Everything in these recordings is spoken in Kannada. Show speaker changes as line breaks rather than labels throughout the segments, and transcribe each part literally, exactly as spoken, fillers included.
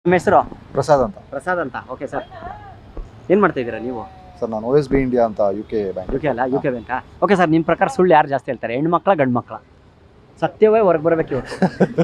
ನಿಮ್ಮ ಹೆಸರು?
ಪ್ರಸಾದ್ ಅಂತ.
ಪ್ರಸಾದ್ ಅಂತ. ಓಕೆ ಸರ್, ಏನು ಮಾಡ್ತಾ ಇದ್ದೀರಾ ನೀವು?
ಸರ್ ನಾನು ಓ ಎಸ್ ಬಿ ಇಂಡಿಯಾ ಅಂತ U K bank.
U K ಅಲ್ಲ, ಯು ಕೆ ಬ್ಯಾಂಕಾ? ಓಕೆ ಸರ್, ನಿಮ್ಮ ಪ್ರಕಾರ ಸುಳ್ಳು ಯಾರು ಜಾಸ್ತಿ ಹೇಳ್ತಾರೆ, ಹೆಣ್ಣು ಮಕ್ಕಳ ಗಂಡು ಮಕ್ಕಳ? ಸತ್ಯವೇ ಹೊರಗೆ ಬರಬೇಕು ಇವತ್ತು.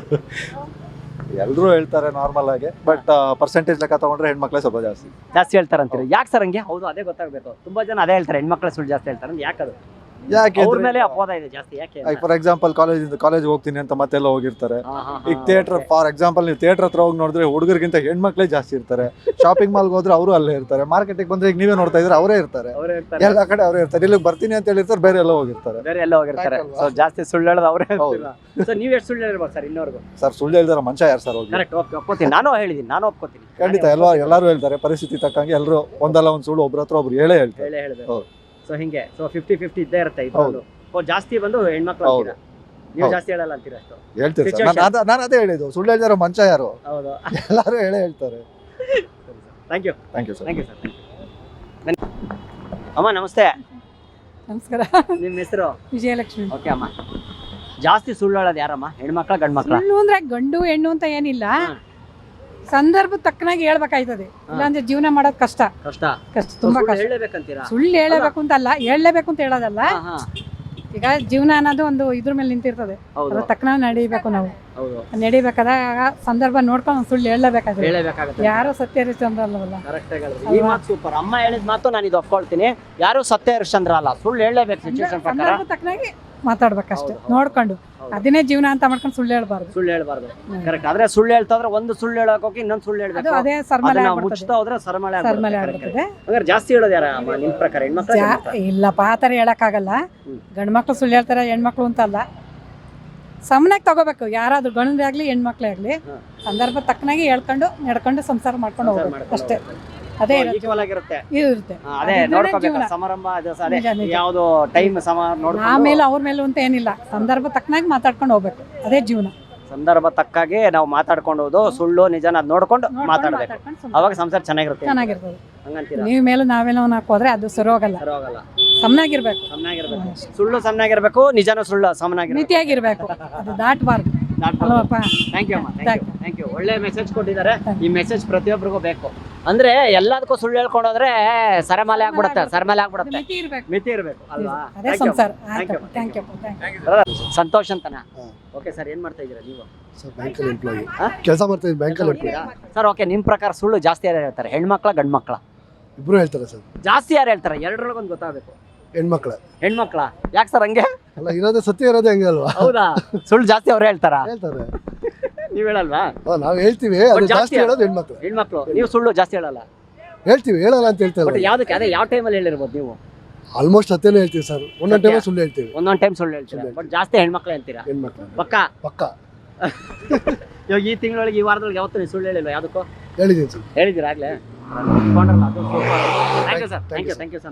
ಎಲ್ಲರೂ ಹೇಳ್ತಾರೆ ನಾರ್ಮಲ್ ಆಗಿ, ಬಟ್ ಪರ್ಸೆಂಟೇಜ್ ಲೆಕ್ಕ ತಗೊಂಡ್ರೆ ಹೆಣ್ಮಕ್ಳೇ ಸ್ವಲ್ಪ ಜಾಸ್ತಿ
ಜಾಸ್ತಿ ಹೇಳ್ತಾರೆ ಅಂತೀರಿ. ಯಾಕೆ ಸರ್ ಹಂಗೆ? ಹೌದು, ಅದೇ ಗೊತ್ತಾಗಬೇಕು. ತುಂಬಾ ಜನ ಅದೇ ಹೇಳ್ತಾರೆ, ಹೆಣ್ಮಕ್ಳ ಸುಳ್ಳು ಜಾಸ್ತಿ ಹೇಳ್ತಾರೆ ಅಂತ. ಯಾಕೆ ಅದು?
ಯಾಕೆ
ಅವ್ರ ಮೇಲೆ ಅಪವಾದ ಇದೆ ಜಾಸ್ತಿ. ಯಾಕೆ?
ಫಾರ್ ಎಕ್ಸಾಂಪಲ್ ಕಾಲೇಜ್ ಕಾಲೇಜ್ ಹೋಗ್ತೀನಿ ಅಂತ ಮತ್ತೆಲ್ಲ ಹೋಗಿರ್ತಾರೆ.
ಹಾ, ಹಾ,
ಈಗ ಥಿಯೇಟರ್ ಫಾರ್ ಎಕ್ಸಾಂಪಲ್ ನೀವು ಥಿಯೇಟರ್ ಹತ್ರ ಹೋಗಿ ನೋಡಿದ್ರೆ ಹುಡುಗರಿಗಿಂತ ಹೆಣ್ಮಕ್ಳೇ ಜಾಸ್ತಿ ಇರ್ತಾರೆ. ಶಾಪಿಂಗ್ ಮಾಲ್ಗೆ ಹೋದ್ರೆ ಅವರು ಅಲ್ಲೇ ಇರ್ತಾರೆ. ಮಾರ್ಕೆಟಿಗೆ ಬಂದ್ರೆ ಈಗ ನೀವೇ ನೋಡ್ತಾ ಇದ್ರೆ ಅವರೇ ಇರ್ತಾರೆ.
ಅವರೇ ಇರ್ತಾರೆ,
ಎಲ್ಲ ಕಡೆ ಅವರೇ ಇರ್ತಾರೆ. ಇಲ್ಲಿಗೆ ಬರ್ತೀನಿ ಅಂತ ಹೇಳಿರ್ತಾರೆ, ಬೇರೆ ಎಲ್ಲ ಹೋಗಿರ್ತಾರೆ.
ಬೇರೆ ಎಲ್ಲ ಹೋಗಿರ್ತಾರೆ. ಸೊ ಜಾಸ್ತಿ ಸುಳ್ಳು ಹೇಳೋದು ಅವರೇ. ಸೊ ನೀವು ಎಷ್ಟು ಸುಳ್ಳು ಹೇಳಿರ್ಬೋದು ಸರ್ ಇನ್ನೋರ್ಗು?
ಸರ್ ಸುಳ್ಳು ಹೇಳ್ದಾರ ಮನುಷ್ಯ ಯಾರು ಸರ್ ಹೋಗಿ?
ಕರೆಕ್ಟ್, ಓಕೆ, ಒಪ್ಕೋತೀನಿ. ನಾನು ಹೇಳಿದ್ದೀನಿ, ನಾನು ಒಪ್ಕೋತೀನಿ.
ಖಂಡಿತ ಎಲ್ಲ ಎಲ್ಲರೂ ಹೇಳ್ತಾರೆ. ಪರಿಸ್ಥಿತಿ ತಕ್ಕಂಗೆ ಎಲ್ಲರೂ ಒಂದಲ್ಲ ಒಂದು ಸುಳ್ಳು ಒಬ್ರ ಹತ್ರ ಒಬ್ರು ಹೇಳೇ ಹೇಳ್ತಾರೆ.
ಹೇಳೇ ಹೇಳ್ಬೇಕು.
ಹೌದು.
ಸೊ ಹಿಂಗೆ, ಸೊ ಫಿಫ್ಟಿ ಫಿಫ್ಟಿ ಇದ್ದೇ ಇರುತ್ತೆ ಇದ್ರಲ್ಲೂ. ಓ, ಜಾಸ್ತಿ ಬಂದು ಹೆಣ್ಮಕ್ಳು ಅಂತೀರಾ, ನೀವು ಜಾಸ್ತಿ ಹೇಳಲ್ಲ ಅಂತೀರಾ? ಅಷ್ಟು
ಹೇಳ್ತೀರಿ ಸರ್. ನಾನು ಅದ- ನಾನು ಅದೇ ಹೇಳಿದ್ದು, ಸುಳ್ಳು ಹೇಳ್ದಾರ ಮನುಷ್ಯ ಯಾರು?
ಹೌದು.
ಎಲ್ಲರೂ ಹೇಳೇ ಹೇಳ್ತಾರೆ.
Thank you,
thank you sir.
Thank you sir. ಬನ್ನಿ ಅಮ್ಮ, ನಮಸ್ತೆ.
ನಮಸ್ಕಾರ.
ನಿಮ್ಮ ಹೆಸರು?
ವಿಜಯಲಕ್ಷ್ಮಿ.
ಓಕೆ ಅಮ್ಮ, ಜಾಸ್ತಿ ಸುಳ್ಳು ಹೇಳೋದು ಯಾರಮ್ಮ, ಹೆಣ್ಮಕ್ಳ ಗಂಡು ಮಕ್ಳ?
ಸುಳ್ಳು ಅಂದ್ರೆ ಗಂಡು ಹೆಣ್ಣು ಅಂತ ಏನಿಲ್ಲ, ಸಂದರ್ಭ ತಕ್ಕನಾಗಿ ಹೇಳ್ಬೇಕಾಯ್ತದೆ. ಇಲ್ಲಾಂದ್ರೆ ಜೀವನ ಮಾಡೋದು ಕಷ್ಟ
ಕಷ್ಟ
ಕಷ್ಟ ತುಂಬಾ ಕಷ್ಟ.
ಹೇಳಬೇಕಂತೀರಾ?
ಸುಳ್ಳು ಹೇಳಬೇಕು ಅಂತ ಅಲ್ಲ, ಹೇಳಲೇಬೇಕು ಅಂತ ಹೇಳೋದಲ್ಲ.
ಹಾ, ಹಾ.
ಈಗ ಜೀವನ ಅನ್ನೋದು ಒಂದು ಇದ್ರ ಮೇಲೆ ನಿಂತಿರ್ತದೆ.
ಹೌದು,
ಅದ್ರ ತಕ್ಕನಾಗಿ ನಡಿಬೇಕು ನಾವು.
ಹೌದು.
ನಡಿಬೇಕಾದಾಗ ಸಂದರ್ಭ ನೋಡ್ಕೊಂಡು ಒಂದ್ ಸುಳ್ಳು ಹೇಳಬೇಕಾದ್ರೆ.
ಹೇಳಬೇಕಾಗುತ್ತೆ.
ಯಾರು ಸತ್ಯ ಹರಿಶ್ಚಂದ್ರ ಅಲ್ಲವಲ್ಲ.
ಕರೆಕ್ಟ್ ಆಗಿ ಹೇಳಿದ್ರಿ. ಈ ಮಾತು ಸೂಪರ್. ಅಮ್ಮ ಹೇಳಿದ ಮಾತು ನಾನು ಇದು ಒಪ್ಕೊಳ್ತೀನಿ. ಯಾರು ಸತ್ಯ ಹರಿಶ್ಚಂದ್ರ ಅಲ್ಲ, ಸುಳ್ಳು ಹೇಳಲೇಬೇಕು ಸಿಚುವೇಶನ್ ಪ್ರಕಾರ.
ಸಂದರ್ಭ ತಕ್ಕನಾಗಿ ಮಾತಾಡ್ಬೇಕಷ್ಟೇ, ನೋಡ್ಕೊಂಡು. ಅದನ್ನೇ ಜೀವನ ಅಂತ ಮಾಡ್ಕೊಂಡು ಸುಳ್ಳು ಹೇಳ್ಬಾರ್ದು.
ಸುಳ್ಳು ಹೇಳ್ಬಾರ್ದು. ಕರೆಕ್ಟ್. ಆದ್ರೆ ಸುಳ್ಳು ಹೇಳ್ತಾ ಇದ್ರೆ ಒಂದು ಸುಳ್ಳು ಹೇಳಕ್ ಹೋಗಿ ಇನ್ನೊಂದು ಸುಳ್ಳು
ಅದು
ಹೇಳ್ಬೇಕು.
ಅದೇ ಸರ್ಮಲೆ
ಅದನ್ನ
ಆಗ್ಬಿಡ್ತದೆ.
ಮುಚ್ತಾ ಹೋದ್ರೆ ಸರಮಳೆ
ಸರ್ಮಲೆ
ಆಗ್ಬಿಡುತ್ತೆ.
ಆಗ್ಬಿಡ್ತದೆ.
ಹಂಗಾರೆ ಜಾಸ್ತಿ ಹೇಳೋದು ಯಾರ ಅಮ್ಮ ನಿಮ್ ಪ್ರಕಾರ, ಹೆಣ್ಮಕ್ಳ ಗಂಡ್ ಮಕ್ಳ?
ಇಲ್ಲಪ್ಪ, ಆ ಥರ ಹೇಳಕ್ಕಾಗಲ್ಲ.
ಹ್ಮ್.
ಗಂಡು ಮಕ್ಳು ಸುಳ್ಳು ಹೇಳ್ತಾರೆ, ಹೆಣ್ಮಕ್ಳು ಅಂತಲ್ಲ. ಸಮನಾಗಿ ತಗೋಬೇಕು, ಯಾರಾದ್ರೂ ಗಂಡೇ ಆಗ್ಲಿ ಹೆಣ್ಮಕ್ಳೇ ಆಗ್ಲಿ.
ಹ್ಮ್.
ಸಂದರ್ಭ ತಕ್ಕನಾಗಿ ಹೇಳ್ಕೊಂಡು ನಡ್ಕೊಂಡು ಸಂಸಾರ ಮಾಡ್ಕೊಂಡು
ಸಂಸಾರ
ಹೋಗ್ಬೇಕು
ಮಾಡ್ಕೊಂಡು
ಅಷ್ಟೇ.
ಹೋಗ್ಬೇಕು.
ಅದೇ
ಓ,
ಇರುತ್ತೆ.
equal ಆಗಿರುತ್ತೆ.
ಇದು ಇರುತ್ತೆ.
ಹಾ, ಅದೇ
ಅದಿದ್ರೇನೆ
ನೋಡ್ಕೋಬೇಕು.
ಜೀವನ.
ಸಮಾರಂಭ ಅದು ಸ- ಅದೇ
ನಿಜ, ನಿಜ.
ಯಾವ್ದು ಟೈಮ್ ಸಮ ನೋಡ್ಕೊಂಡು
ಆಮೇಲೆ ಅವ್ರ ಮೇಲೂ ಅಂತ ಏನಿಲ್ಲ, ಸಂದರ್ಭ ತಕ್ಕನಾಗಿ ಮಾತಾಡ್ಕೊಂಡು ಹೋಗ್ಬೇಕು. ಅದೇ ಜೀವನ.
ಸಂದರ್ಭ ತಕ್ಕಾಗಿ ನಾವು ಮಾತಾಡ್ಕೊಂಡು ಹೋದು, ಸುಳ್ಳು ನಿಜನ ಅದ್ ನೋಡ್ಕೊಂಡು
ನೋಡ್ಕೊಂಡು
ಮಾತಾಡ್ಬೇಕು.
ಮಾತಾಡ್ಕೊಂಡು ಸಂಸಾರ
ಅವಾಗ ಸಂಸಾರ ಚೆನ್ನಾಗಿರುತ್ತೆ.
ಚೆನ್ನಾಗಿರ್ತದೆ.
ಹಂಗಂತೀರಾ?
ನೀವು ಮೇಲೂ ನಾವೇನೋ ಹಾಕೋದ್ರೆ ಅದು ಸರಿ ಹೋಗಲ್ಲ.
ಪರವಾಗಿಲ್ಲ.
ಸಮನಾಗಿರ್ಬೇಕು,
ಸಮನಾಗಿರ್ಬೇಕು. ಸುಳ್ಳು ಸಮನಾಗಿರ್ಬೇಕು, ನಿಜಾನು ಸುಳ್ಳು ಸಮನಾಗಿರ್ಬೇಕು.
ಮಿತಿಯಾಗಿರ್ಬೇಕು. ಅದು ದಾಟಬಾರ್ದು ಅಲ್ವಪ್ಪ.
ಥ್ಯಾಂಕ್ ಯು ಅಮ್ಮ, thank
Thank
you, thank you. ಒಳ್ಳೆ ಮೆಸೇಜ್ ಕೊಟ್ಟಿದ್ದಾರೆ. ಈ ಮೆಸೇಜ್ ಪ್ರತಿಯೊಬ್ಬರಿಗೂ ಬೇಕು. ಅಂದ್ರೆ ಎಲ್ಲದಕ್ಕೂ ಸುಳ್ಳು ಹೇಳ್ಕೊಂಡೋದ್ರೆ ಸರಮಾಲೆ ಆಗ್ಬಿಡುತ್ತೆ, ಸರಮಾಲೆ
ಅದು
ಆಗ್ಬಿಡುತ್ತೆ.
ಮಿತಿ ಇರ್ಬೇಕು.
ಮಿತಿ ಇರಬೇಕು ಅಲ್ವಾ?
ಅದೇ
Thank you
ಸಂಸಾರ.
ಅಮ್ಮ. Thank you
ಆಯ್ತು,
ಅಮ್ಮ.
Thank you thank you.
Santosh ಅಂತನಾ?
ಹಾ.
ಓಕೆ ಸರ್, ಏನ್ ಮಾಡ್ತಾ ಇದ್ದೀರಾ ನೀವು?
ಸರ್ ಬ್ಯಾಂಕಲ್ಲಿ ಎಂಪ್ಲಾಯಿ
ಹಾ?
ಕೆಲಸ ಮಾಡ್ತಾ ಇದ್ದೀನಿ. ಬ್ಯಾಂಕಲ್ಲಿ ಎಂಪ್ಲಾಯಿ.
ಸರ್ ಓಕೆ, ನಿಮ್ ಪ್ರಕಾರ ಸುಳ್ಳು ಜಾಸ್ತಿ ಯಾರು ಹೇಳ್ತಾರೆ, ಹೆಣ್ಮಕ್ಳ ಗಂಡ್ ಮಕ್ಳ?
ಇಬ್ರು ಹೇಳ್ತಾರೆ ಸರ್.
ಜಾಸ್ತಿ ಯಾರು ಹೇಳ್ತಾರೆ? ಎರಡರೊಳಗೊಂದು ಗೊತ್ತಾಗಬೇಕು.
ಹೆಣ್ಮಕ್ಳ
ಹೆಣ್ಮಕ್ಳ? ಯಾಕೆ ಸರ್ ಹಂಗೆ?
ಅಲ್ಲ, ಇರೋದೇ ಸತ್ಯ ಇರೋದೇ ಹಂಗೆ ಅಲ್ವಾ?
ಹೌದಾ? ಸುಳ್ಳು ಜಾಸ್ತಿ ಅವ್ರು ಹೇಳ್ತಾರಾ?
ಹೇಳ್ತಾರೆ.
ನೀವ್ ಹೇಳಲ್ವಾ?
ಹಾ, ನಾವು ಹೇಳ್ತೀವಿ, ಅದು
ಜಾಸ್ತಿ
ಜಾಸ್ತಿ ಹೇಳೋದು ಹೆಣ್ಮಕ್ಳು.
ಹೆಣ್ಮಕ್ಳು. ನೀವು ಸುಳ್ಳು ಜಾಸ್ತಿ ಹೇಳಲ್ಲ.
ಹೇಳ್ತೀವಿ, ಹೇಳಲ್ಲ ಅಂತ ಹೇಳ್ತಾ
ಬಟ್
ಇಲ್ಲ.
ಯಾವ್ದಕ್ಕೆ? ಅದೇ ಯಾವ ಟೈಮಲ್ಲಿ ಹೇಳಿರ್ಬೋದು ನೀವು?
ಆಲ್ಮೋಸ್ಟ್ ಸತ್ಯನೇ ಹೇಳ್ತೀವಿ ಸರ್. ಒಂದೊಂದು
ಸತ್ಯ.
ಟೈಮ್ ಸುಳ್ಳು ಹೇಳ್ತೀವಿ.
ಒಂದೊಂದು ಟೈಮ್ ಸುಳ್ಳು ಹೇಳ್ತೀರಾ, ಬಟ್ ಜಾಸ್ತಿ ಹೆಣ್ಮಕ್ಳು ಹೇಳ್ತೀರಾ?
ಹೆಣ್ಮಕ್ಳು
ಪಕ್ಕ.
ಪಕ್ಕ
ಇವಾಗ ಈ ತಿಂಗಳೊಳಗೆ, ಈ ವಾರದೊಳಗೆ ಯಾವತ್ತೂ ನೀವು ಸುಳ್ಳು ಹೇಳಿಲ್ವಾ ಯಾವುದಕ್ಕೂ?
ಹೇಳಿದ್ದೀನಿ ಸರ್.
ಹೇಳಿದ್ದೀರಾ ಆಗ್ಲೇ? Thank you sir, thank you, thank you sir.